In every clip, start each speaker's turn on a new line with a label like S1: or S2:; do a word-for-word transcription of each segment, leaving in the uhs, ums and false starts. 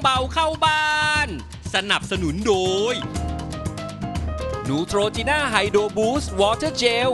S1: เบาเข้าบ้าน สนับสนุนโดยนูโตรจีน่าไฮโดรบูสต์วอเตอร์เจล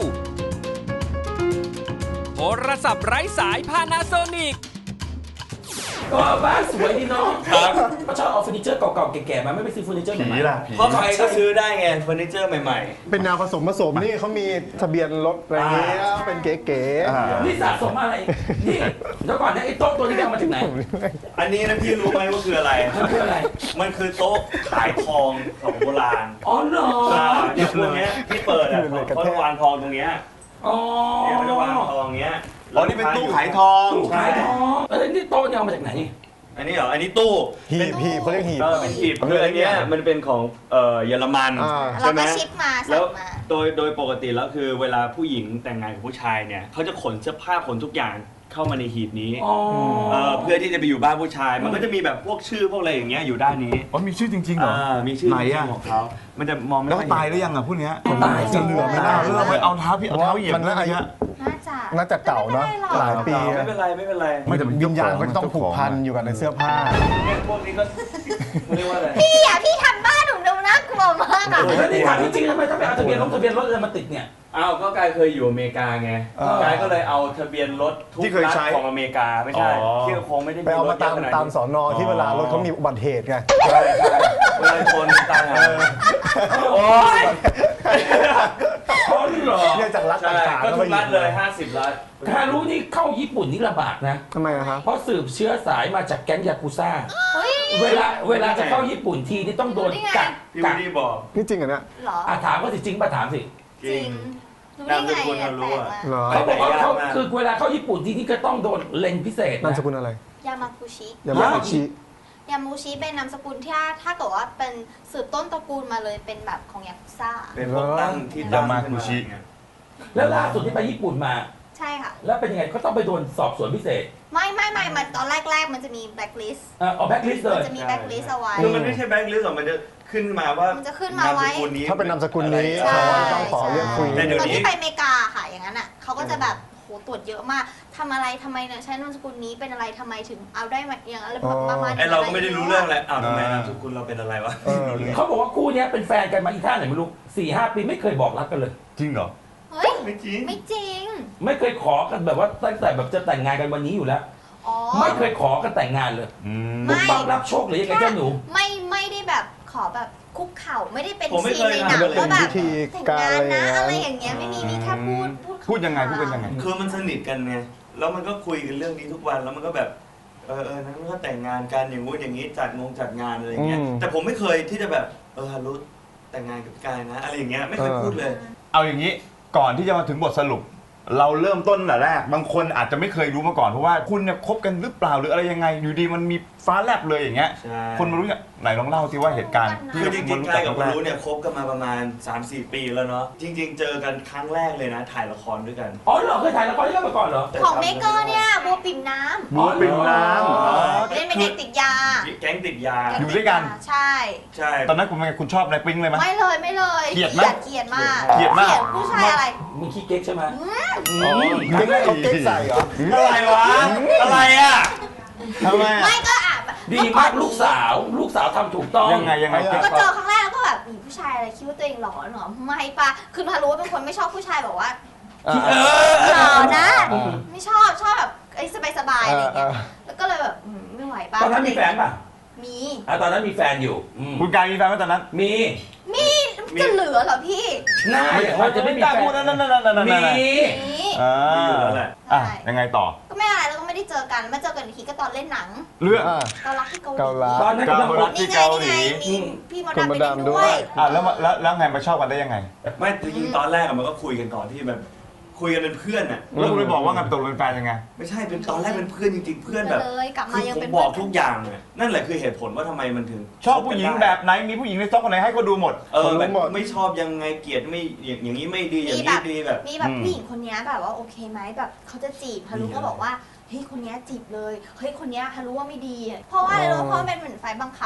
S1: โทรศัพท์ไร้สายพานาโซนิก
S2: ก็บ้านสวยดีเนาะครับก็ชอบเอาเฟอร์นิเจอร์เก่าๆแก่ๆมาไม่ไปซื้อเฟอร์นิเจอร์ใหม่
S3: ผีล่ะผี
S4: เพราะใครก็ซื้อได้ไงเฟอร์นิเจอร์ใหม่ๆ
S3: เป็นแนวผสมผสมนี่เขามีทะเบียนรถอะไรเงี้ยเป็นเก๋ๆ
S2: นี่สะสมอะไรนี่เดี๋ยวก่อนนะไอ้โต๊ะตัวนี้เอามาจากไหน
S4: อันนี้นะพี่รู้ไหมว่าคืออะไร
S2: มันคืออะไร
S4: มันคือโต๊ะขายทองของโบราณ
S2: อ๋อเหรอ
S4: อย่างพวกเนี้ยที่เปิดอ่ะเขาจะวางทองตรงเนี้ย
S2: อ๋อ
S4: เนี่ยเขาจะวางทองเนี้ย
S3: อ๋อนี่เป็นตู้ขายทอง
S2: ขายทองเอ้ยนี่โต๊ะเนี่ยเอามาจากไหน
S4: อันนี้เหรออันนี้ตู้
S3: หีบหีบเขาเรียกหีบ
S4: เออเป็นหีบคืออันเนี้ยมันเป็นของเอ่อเยอรมัน
S3: อ่า
S4: ใช่ไหม
S5: เราก็ชิปมาสั่งมา
S4: แล้วโดยโดยปกติแล้วคือเวลาผู้หญิงแต่งงานกับผู้ชายเนี่ยเขาจะขนเสื้อผ้าขนทุกอย่างเข้ามาในหีบนี้
S2: อ๋อ
S4: เอ่อเพื่อที่จะไปอยู่บ้านผู้ชาย มันก็จะมีแบบพวกชื่อพวกอะไรอย่างเงี้ยอยู่ด้านนี้
S6: อ๋อมีชื่อจริงๆเหรอ
S4: อ่ามีชื่อ
S6: ไหน
S4: จริ
S6: อะ
S4: งๆของเขามันจะมองไม่
S6: แล้ว
S4: ค่อย
S6: ตายหรือยังอ่ะพวกเนี้ย
S2: ตาย
S3: จะเหลือไม่ได้
S6: เออไปเอาเท้าพี่เอาเท้าเหยียบ
S3: มันน่าอายุ
S6: เงี้ย
S5: น่าจะ
S3: น่าจะเก่าเนาะหลายปี
S4: ไม่เป็นไรไม่เป็นไร
S6: ไม่แต่มัน
S3: วิญญาณมันต้องผูกพันอยู่กับในเสื้อผ้า
S4: เนี่ยพวกนี้ก็เขาเรียกว่าอะไร
S5: พี่อ่ะพี่ทำบ้านหนูดูน่ากลัวมากอ่ะ
S2: แล้วนี่ถามจริงๆทำไมต้องไปเอาทะเบียนรถทะเบียนรถอะไรมาติดเนี่ย
S4: อ้าวก็กายเคยอยู่อเมริกาไง
S3: เออ
S4: กายก็เลยเอาทะเบียนรถทุก
S6: ที่เคย
S4: รัฐ
S6: ใช้
S4: ของอเมริกาไม่ใช่
S6: อ๋อ
S4: ที่คงไม่ได้
S3: ไปเอามาตาม
S4: รถยะขนดนี้
S3: ตามสอนอที่เวลารถเขามีอุบัติเหตุไง
S4: ใช่ใช่เวลาชนตายหาโอ้ย
S2: อ๋อเหรอ
S3: เนี่ยจากรัฐ
S4: ใช่
S3: ต่างๆ
S4: ก็ทุกรัฐเลยห้าสิบรัฐ
S2: ถ้ารู้นี่เข้าญี่ปุ่นนี่ลำบากนะ
S3: ทำไมอะครับ
S2: เพราะสืบเชื้อสายมาจากแก๊งยากุซ่า
S5: เฮ้ย
S2: เวลาเวลาจะเข้าญี่ปุ่นทีนี่ต้องโดนกัก
S4: พี่
S2: กั
S4: วู
S2: ก
S4: ดดี้บอก
S3: นี่จริงเหรอเนี่ย
S5: เหรอ
S2: อ่ะถามว่าสิจริงป่ะถามสิ
S4: จริง
S5: รู้ได้ไง
S4: นามสกุล
S5: อ่ะ
S4: เรารู้
S5: แปลก
S4: อะ
S5: มาก
S3: เหรอ
S2: เขาบอกว่าเขา
S4: ยากมาก
S2: คือเวลาเข้าญี่ปุ่นทีนี่ก็ต้องโดนเลนพิเศษ
S3: นาม
S2: นะ
S3: สกุลอะไร
S5: ยามากุชิ
S3: ยามาชิ
S5: ยามูชิเป็นนามสกุลที่ถ้าถ้าเกิดว่าเป็นสืบต้นตระกูลมาเลยเป็นแบบของยากุซ่า
S4: เป็นพวกตั้งที่
S6: ยามากุชิ
S2: แล้วล่าสุดที่ไปญี่ปุ่นมา
S5: ใช่ค่ะ
S2: แล้วเป็นยังไงเขาต้องไปโดนสอบสวนพิเศษ
S5: ไม่ไม่ไม่มันตอนแรกๆ มันจะมีแบ็คลิสต์
S2: เอ่อเอาแบ็คลิสต์เล
S5: มัน
S2: ย
S5: จะมีแบ็คลิสต์เอาไว้
S4: คือมันไม่ใช่แบงค์ลิสต์หรอกมันจะขึ้นมาว่า
S5: มันจะขึ้นมาไว้
S4: นสกุลนี้
S3: ถ้าเป็นนามสกุลนี้
S5: ใช่
S3: เขาต้องขอเรียกคุย
S4: แต่เดี๋ยว
S5: ตอน
S4: นี้
S5: ที่ไปอเมริกาค่ะอย่างนั้นอ่ะเขาก็จะแบบโหตรวจเยอะมากทำอะไรทำไมเนี่ยใช้นามสกุลนี้เป็นอะไรทำไมถึงเอาได้มาอย่างอะไรประมาณ
S4: ไอเราก็ไม่ได้รู้เรื่องอะไรอ้าวทำไมนามสกุลเราเป็นอะไรวะ
S3: เออ
S2: เขาบอกว่าคู่เนี้ยเป็นแฟนกันมาอีท่าไหนไม่รู้สี่ห้าปีไม่เคยบอกรักกันเลย
S6: จริงเหรอ
S5: เฮ้ย
S4: ไม่จริง
S5: ไม่จริง
S2: ไม่เคยขอกันแบบว่าตั้งแต่แบบจะแต่งงานกันวันนี้อยู่แล้ว
S5: อ๋อ
S2: ไม่เคยขอกันแต่งงานเลย
S6: อืม
S5: ไม่
S2: ปุ๊บปั๊บรับโชคหรือยังไงเจ้าหนู
S5: ไม่ไม่ได้แบบขอแบบคุกเข่าไม่ได้เป็น
S4: ผมไม่
S5: ซี
S4: เคน ย
S5: ในหนัง
S4: ทำเลย
S5: ว่าแบบ
S3: เป็นพิธี
S5: แต่ง
S3: การ
S5: งานนะ
S3: อะ
S5: อะไร ไร
S3: อ
S5: อย่าง
S3: ย่าง
S5: เงี้
S3: เงี้
S5: ย
S3: ย
S5: ไม่มีมีแค่พูดพูด
S6: พูดยังไงพูดกันยังไง
S4: คือมันสนิทกันไงแล้วมันก็คุยกันเรื่องนี้ทุกวันแล้วมันก็แบบเออเออนั้นก็แต่งงานกันอย่างงู้นอย่างนี้จัดงงจัดงานอะไรอย่างเงี้ย
S3: อืม
S4: แต่ผมไม่เคยที่จะแบบเออฮารุแต่งงานกับกายนะอะไรอย่างเงี้ยไม่เคย
S3: เออ
S4: พูดเลย
S6: เอาอย่างนี้ก่อนที่จะมาถึงบทสรุป เราเริ่มต้นแต่แรกบางคนอาจจะไม่เคยรู้มาก่อนเพราะว่าคุณเนี่ยคบกันหรือเปล่าหรืออะไรยังไงอยู่ดีมันมีฟ้าแลบเลยอย่างเงี้ย
S4: ใช่
S6: คนมารู้เนี่ยไหนลองเล่าสิว่าเหตุการณ์ที่
S4: คือจริง
S6: มัน
S4: ๆ
S6: รู้
S4: กา
S6: จั
S4: ย
S6: ก
S4: กับ
S6: แรก
S4: รู้เนี่ยคบกันมาประมาณ สามสี่ ปีแล้วเนาะจริง ๆ เจอกันครั้งแรกเลยนะ ถ่ายละครด้วยกัน
S2: อ๋อเหรอเคยถ่ายละครด้วยกันมาก่อนเหรอ
S5: ของเมเกอร์เนี่ยบัวปิ่มน้ำ
S6: บัวปิ่มน้ำ
S2: อ๋อ
S5: เล่นเป็นเด็กติดยา
S4: แก๊งติดยา
S5: แก๊ง
S6: อยู่ด้วยกัน
S5: ติาใช่
S4: ใช่
S6: ตอนนั้นคุณเป็นไงคุณชอบอะไรปิ๊งเลยไหม
S5: ไม่เลยไม่เลย
S6: เกลียดไหม
S5: เกลียดมาก
S6: เกลียดมาก
S5: ผู้ชายอะไร
S2: มึงขี้เก๊กใช่ไหม
S3: อ๋อไม่ได้เขาเก๊กใส่เหรอ
S4: อะไรวะอะไรอ่ะ
S6: ทำไมอะ
S5: ไม่ก็อ่ะแบบ
S2: ดีมากลูกสาวลูกสาวทำถูกต้อง
S6: ยังไงยังไง
S5: ก็เจอครั้งแรกแล้วก็แบบมีผู้ชายอะไรคิดว่าตัวเองหล่อเหรอไม่ปะคือพารู้ว่าเป็นคนไม่ชอบผู้ชายแบบว่า
S3: อ่า
S2: เออ
S5: หล่อนะ
S3: อ่า
S5: ไม่ชอบชอบแบบไอ้สบายๆอะไรอย่างเงี้ย
S3: อ่า
S5: แล้วก็เลยแบบอืมไม่ไหวปะ
S2: ตอนนั้นมีแฟนป่ะ
S5: มี
S2: อ่ะตอนนั้นมีแฟนอยู่อืม
S6: คุณกายมีแฟนไหมตอนนั้น
S2: มี
S5: มีจะเหลือเหรอพี่
S2: น่าอย่างว่าจะไม่มี
S6: กล้า
S2: แฟ
S6: พูด
S2: น
S6: นั่นนั่นนั่นนั่นนั่น
S2: มี
S5: มี
S6: อ่า
S4: มีอยู่แล้วแหละ
S6: อ่ะยังไงต่อ
S5: ก็ไม่อะไรแล้วก็ไม่ได้เจอกันมาเจอกันอีกทีก็ตอนเล่นหนัง
S6: เรื่อง
S3: อ่า
S5: เกาลักที่เกาหลี
S3: เกาลัด
S2: ตอนนั้นกำลัง
S6: เกาลัด
S5: นี่ไงนี่ไงมีพี่มด
S3: คุณ
S5: ดำ
S3: ม
S5: ไป
S3: ด
S5: เล่น
S3: ดำด้
S5: ด้
S3: ว
S5: วย ย
S6: อ่ะแล้วมาแล้วแล้วไงมาชอบกันได้ยังไง
S4: ไม่จริงๆตอนแรกอะมันก็คุยกันก่อนที่แบบคุยกันเป็นเพื่อนอ่ะ
S6: แล้วคุณไปบอกว่าไงตกลงเป็นแฟนยังไง
S4: ไม่ใช่เป็นตอนแรกเป็นเพื่อนจริงๆ เพื่อนแบบ
S5: เลยกลับ
S4: คื
S5: มา
S4: อ
S5: ยัง
S4: ผ
S5: เป็น
S4: มบอกทุกอย่างเลยนั่นแหละคือเหตุผลว่าทำไมมันถึง
S6: ชอบผู้หญิงแบบไหนมีผู้หญิงในสต็อกคนไหนให้ก็ดูหมด
S4: เออแบ
S3: รู้
S4: บ
S3: หมด
S4: ไม่ชอบยังไงเกลียดไม่อย่างอย่างนี้ไม่ดีอย่าง
S5: มีแบ
S4: นี้
S5: บ
S4: ดีแบบ
S5: มีแบบ
S6: อืม
S5: ผู้หญิงคนนี้แบบว่าโอเคไหมแบบเขาจะจีบฮารุก็บอกว่าเฮ้ยคนนี้จีบเลยเฮ้ยคนนี้ฮารุว่าไม่ดี เพราะว่าอะไรรู้เพราะมันเป็นเหมือนไฟบังคับ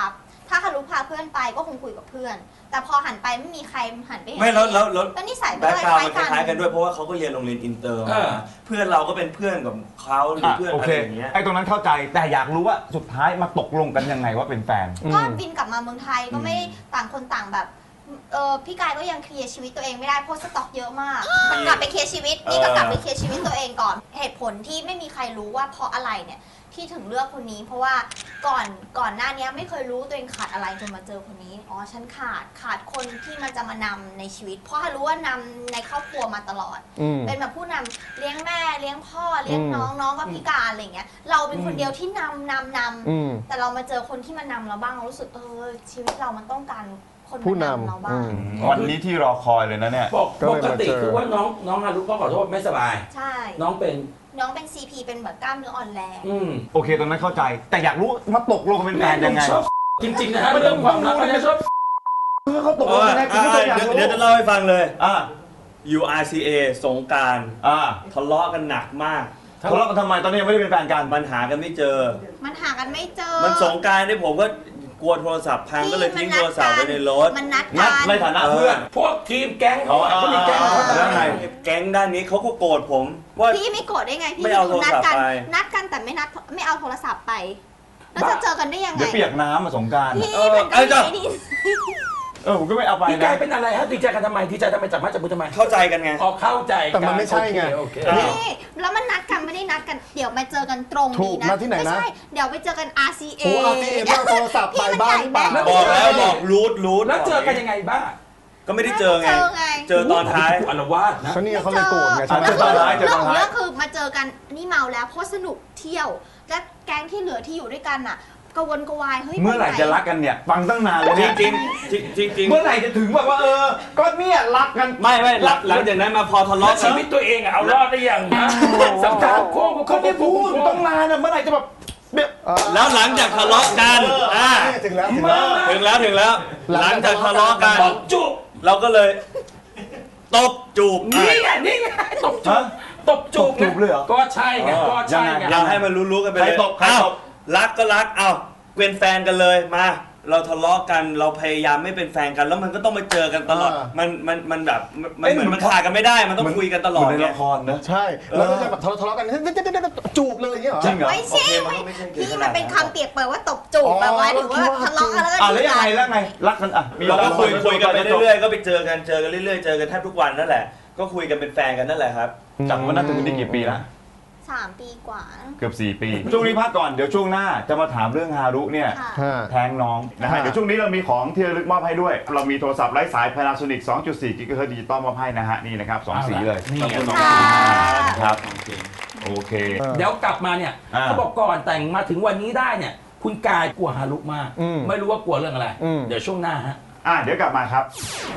S5: ถ้าฮารุพาเพื่อนไปก็คงคุยกับเพื่อน แต่พอหันไปไม่มีใครหันไปเห็น
S4: ไม่แล้วแล้วแล้ว
S5: ก็นิสัย
S4: แบ็ค
S5: ไม่
S4: กราว
S5: ค
S4: ด์มันค
S5: ล้าย
S4: ล้ายๆ
S5: กั
S4: กัน นด้วยเพราะว่าเขาก็เรียนโรงเรียนอินเตอร์
S2: เอ
S4: มา
S2: อ
S4: เพื่อนเราก็เป็นเพื่อนกับเขาหรือ
S6: อ่ะ
S4: เพื่อน
S6: โอ
S4: อะ
S6: เค
S4: ไรอย่างเงี้ย
S6: ไอ้ตรงนั้นเข้าใจแต่อยากรู้ว่าสุดท้ายมาตกลงกันยังไงว่าเป็นแฟน
S5: ก็บินกลับมาเมืองไทยก็ไม่ได้ต่างคนต่างแบบเออพี่กายก็ยังเคลียร์ชีวิตตัวเองไม่ได้เพราะสต็อกเยอะมากมันกลับไปเคลียร์ชีวิตนี่ก็กลับไปเคลียร์ชีวิตตัวเองก่อนเหตุผลที่ไม่มีใครรู้ว่าเพราะอะไรเนี่ยที่ถึงเลือกคนนี้ เพราะว่าก่อนก่อนหน้านี้ไม่เคยรู้ตัวเองขาดอะไรจนมาเจอคนนี้อ๋อฉันขาดขาดคนที่มันจะมานำในชีวิต เพราะรู้ว่านำในครอบครัวมาตลอด
S3: อืม
S5: เป็นแบบผู้นำเลี้ยงแม่เลี้ยงพ่อเลี้ยง
S3: อืม
S5: น้องน้องก็พิการอะไรเงี้ยเราเป็นคนเดียวที่นำนำนำ
S3: อืม
S5: แต่เรามาเจอคนที่มานำเราบ้างเรารู้สึกเออชีวิตเรามันต้องการคน
S3: ผู้
S5: มานำ
S3: นำ
S5: เราบ้า
S3: อื
S5: ง
S3: ม
S6: วันนี้ที่รอคอยเลยนะเนี่ย
S2: ปก
S3: ก็
S2: ป
S3: เลย
S2: ก
S3: มา
S2: ติ
S3: เจอ
S2: คือว่าน้องน้องฮารุก็ขอโทษไม่สบาย
S5: ใช่
S2: น้องเป็น
S5: น้องเป็น ซี พี เป็นแบบกล้ามเนื้ออ่อนแรง
S2: อืม
S6: โอเคตรงนั้นเข้าใจ แต่อยากรู้มาตกลงกันเป็นแฟนยังไง
S2: ชอบจริงๆนะฮะเรื่องความรักไม่ชอบ
S6: คือเขาตกล
S4: เอง อ
S6: กันยังไงกู
S4: อ่ะ
S6: ไม่เคยอยาก
S4: เดี๋ยว
S6: รู้
S4: เดี๋ยวจะเล่าให้ฟังเลย
S6: อ่า
S4: ยู อาร์ ซี เอ สงกราร
S6: อ่า
S4: ทะเลาะกันหนักมาก
S6: ทะเลาะกันทำไมตอนนี้ยังไม่ได้เป็นแฟนกัน
S4: มันหากันไม่เจอ
S5: มันหากันไม่เจอ
S4: มันสงกรารที่ผมก็กลัวโทรศัพท์พังก็เลยทิ้งโทรศัพท์ไว้ในรถ
S5: มันนัด
S6: นั
S5: กั
S6: ด
S5: น
S6: ในฐานะเพื่อน
S2: พวกทีมแก๊งเขา
S6: อ๋อ
S2: เขามีแก๊งของเขา
S6: แล้วไง
S4: แก๊งด้านนี้เขาก็โกรธผมว่า
S5: พี่ไม่โกรธได้ไงพี่
S4: ไม่เอาโทรศัพท์
S5: นัดกัน
S4: ไป
S5: นัดกันแต่ไม่นัดไม่เอาโทรศัพท์ไปแล้วจะเจอกันได้ยังไง
S6: เดี๋ยวเปียกน้ำมาสงกราร
S5: พี่
S4: เออ
S5: มันก็
S4: เอ้ยเจ้า
S5: ไม่ดี
S6: เออผมก็ไม่เอาไป
S2: พี่กา
S6: นะ
S2: ยเป็นอะไรฮะดีใจกันทำไมดีใจทำไมจับมาจับมือทำไม
S4: เข้าใจกันไง
S2: ออกเข้าใจกั
S3: แต่มันไม่ใช่ไง
S2: โอเค
S4: เอ
S2: โอ
S4: อ
S2: เค
S5: นี่แล้วมันนัดกันไม่ได้นัดกันเดี๋ยวมาเจอกันตรง
S3: ถู
S5: นี้
S3: ก
S5: นะ
S3: นัดที่ไหนนะ
S5: ไม่ใช่เดี๋ยวไปเจอกัน อาร์ ซี เอ
S3: โอ้อาร์ซีเอไม่เอาโทรศัพท์ไปบ้านหรือเปล่า
S4: บอกแล้วบอกรูทรูท
S2: แล้วเจอกันยังไงบ้าง
S4: ก็ไม่ได้เจอไง
S5: เจอไง
S4: เจอตอนท้าย
S2: อารวาสนะ
S3: เขานี่เขาเลยโกรธไงใช่ไหม
S6: เจอตอนท้ายเจอ
S5: เรื่
S6: ต
S5: อ
S6: อง นท้าย
S5: ของเรื่องคือมาเจอกันนี่เมาแล้วเพราะสนุกเที่ยว และแก๊งที่เหลือที่อยู่ด้วยกันน่ะกระวนกระวายเฮ้ย
S6: เมื่อไหร่จะรักกันเนี่ย ฟังตั้งนานเลย
S4: จ
S6: เนี่ย
S4: ริงจริงจริงจริง
S6: เมื่อไหร่จะถึงแบบว่าเออ ก็เนี่ยรักกัน
S4: ไม่ไม่หลังหลังจากนั้นมาพอทะ
S2: แล้ว
S4: เลาะกั
S2: ชี
S4: น
S2: วิตตัวเองอะเอารอดได้ยังฮะสัมภาษณ์โค้ง
S6: ก็ได้พูดอยู่ตั้งนานอะเมื่อไหร่จะแบบเนี่ย
S4: แล้วหลังจากทะเลาะกันอ่า
S3: ถึงแล้วถึงแล้ว
S4: ถึงแล้วถึงแล้ว หลังจากทะเลาะกัน
S2: ตบจูบ
S4: เราก็เลยตบจูบ
S2: นี่ไงนี่ไงตบจูบตบจูบ
S6: ตบจูบเลยเหรอ
S2: ก็ใช่ไงก็ใช่ไง
S4: เราให้มันรู้ๆกันไปเลย
S6: ใครตบใครตบ
S4: อ้าวรักก็รักเอ้าเป็นแฟนกันเลยมา เราทะเลาะกันเราพยายามไม่เป็นแฟนกัน แล้วมันก็ต้องมาเจอกันตลอด
S3: อ่ามั
S4: มันมันมันแบบมัน
S6: เอ้ย
S4: เหมือน
S6: เหมื
S4: มั
S6: อน น
S4: ขาดกันไม่ได้มันต้องคุยกันตลอด
S6: เหมือนใน
S4: ไง
S6: ละครนะ
S3: ใช่แล้วก็จะแบบทะเลาะกันจูบเลยอย่างเงี้ยเหรอ
S6: จริงเหรอ
S5: ไม่ใช่
S4: โอเคมันก็ไม่ใช่
S5: พี่
S4: ขนาดนั้น
S5: มันเป็นคำเปรียบเปรยว่าตบจูบ
S3: อ๋อ
S5: แบบว่าถือว่าทะเลาะกันแล้วก็
S6: อ่ะแล้วยังไงแล้วไงรักกันอ่ะมี
S4: เราก็คุยคุยกันไป
S6: จบ
S4: เรื่อยๆก็ไปเจอกันเจอกันเรื่อยๆเจอกันแทบทุกวันนั่นแหละ ก็คุยกันเป็นแฟนกันนั่นแหละครับ
S6: จากวันนั้นถึงวันนี้กี่ปีละ
S5: สามปีกว่า
S6: เกือบสี่ปี ช่วงนี้พักก่อนเดี๋ยวช่วงหน้าจะมาถามเรื่องฮารุเนี่ย
S5: ค่ะ
S3: ฮะ
S6: แทงน้องนะฮะ
S3: ฮะ
S6: เดี๋ยวช่วงนี้เรามีของที่ระลึกมอบให้ด้วย เรามีโทรศัพท์ไร้สาย Panasonic สองจุดสี่ กิกะเฮิรตซ์ดิจิตอลมอบให้นะฮะนี่นะครับสองสีเลย
S2: นี่
S6: ขอบคุณน้อง
S5: ค่ะ
S6: ครับโอเค
S2: เดี๋ยวกลับมาเนี่ย
S6: อ่า
S2: เขาบอกก่อนแต่งมาถึงวันนี้ได้เนี่ย คุณกายกลัวฮารุมาก
S3: อืม
S2: ไม่รู้ว่ากลัวเรื่องอะไร
S3: อืม
S2: เดี๋ยวช่วงหน้าฮะ
S6: อ่ะเดี๋ยวกลับมาครับ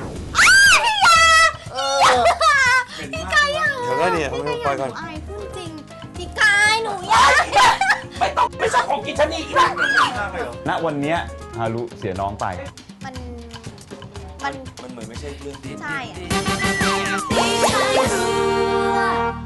S5: พี่กายอยาก
S4: เดี๋ยวก็เนี่ย
S5: พี่กาย
S4: ปล่อยก่อน
S5: หนูอายพูดจริงพี่กายหนูอยาก
S2: ไม่ต้องไม่ใช่ของกินชนีอีกแล้ว
S6: ณวันเนี้ยฮารุเสียน้องไป
S5: มัน มัน
S4: มันเหมือนไม่ใช่เรื่องที่
S5: ใช่อะ